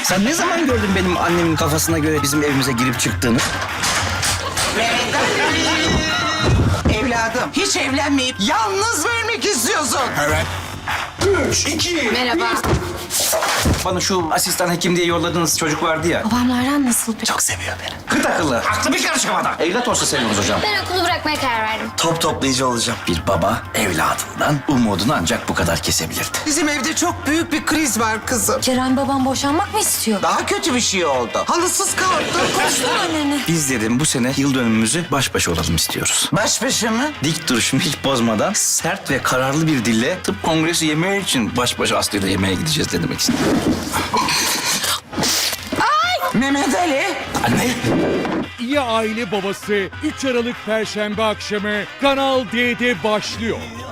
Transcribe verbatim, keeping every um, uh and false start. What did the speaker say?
Sen ne zaman gördün benim annemin kafasına göre bizim evimize girip çıktığını? Evladım, hiç evlenmeyip yalnız vermek istiyorsun. Evet. Üç, iki, Merhaba. Bana şu asistan hekim diye yolladığınız çocuk vardı ya. Babamlardan nasıl peki? Çok seviyor beni. Kıt akıllı. Aklı bir karış havada. Evlat olsa seviyoruz hocam. Ben okulu bırakmaya karar verdim. Top toplayıcı olacağım. Bir baba evladından umudunu ancak bu kadar kesebilirdi. Bizim evde çok büyük bir kriz var kızım. Ceren babam boşanmak mı istiyor? Daha kötü bir şey oldu. Halısız kaldı. Konuştun anneni. Biz dedim bu sene yıl dönümümüzü baş başa olalım istiyoruz. Baş başa mı? Dik duruşumu hiç bozmadan sert ve kararlı bir dille tıp kongresi yemeği için baş başa Aslı'yla yemeğe gideceğiz ne demek istedim. Mehmet Ali. Anne. İyi Aile Babası üç Aralık Perşembe akşamı Kanal D'de başlıyor.